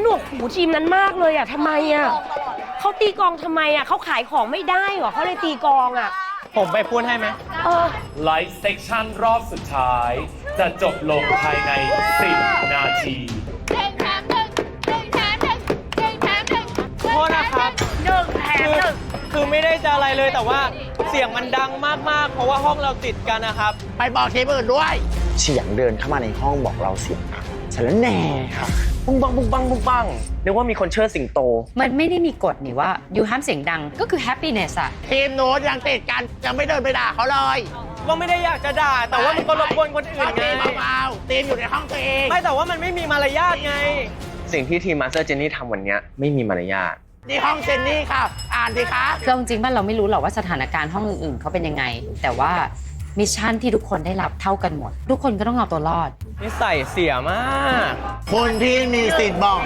หนวกหูทีมนั้นมากเลยอ่ะทำไมอ่ะเขาตีกองทำไมอ่ะเขาขายของไม่ได้เหรอเขาเลยตีกองอ่ะผมไปพูดให้ไหมไลฟ์เซกชันรอบสุดท้าย จะจบลงภายใน 10 นาทีโทษนะครับ 1 แถม 1 คือไม่ได้จะอะไรเลยแต่ว่าเสียงมันดังมากๆเพราะว่าห้องเราติดกันนะครับไปบอกทีมอื่นด้วยเสียงเดินเข้ามาในห้องบอกเราเสียงดังฉันแล้วแน่ค่ะบุ้งบังบุ้งบังบุ้งบังนึกว่ามีคนเชิดสิงโตมันไม่ได้มีกฎนี่ว่าอยู่ห้ามเสียงดังก็คือ happiness อะทีมโน้ตยังติดกันยังไม่เดินไปด่าเขาเลยก็ไม่ได้อยากจะด่าแต่ว่ามันก็รบกวนคนอื่นไงเบาๆทีมอยู่ในห้องตัวเองไม่แต่ว่ามันไม่มีมารยาทไงสิ่งที่ทีมมาสเตอร์เจนนี่ทำวันนี้ไม่มีมารยาทนี่ห้องเจนนี่ค่ะอ่านดิคะคือจริงๆว่าเราไม่รู้หรอกว่าสถานการณ์ห้องอื่นๆเขาเป็นยังไงแต่ว่ามิชชั่นที่ทุกคนได้รับเท่ากันหมดทุกคนก็ต้องเอาตัวรอดนิสัยเสียมากคนที่มีสิทธิ์บอก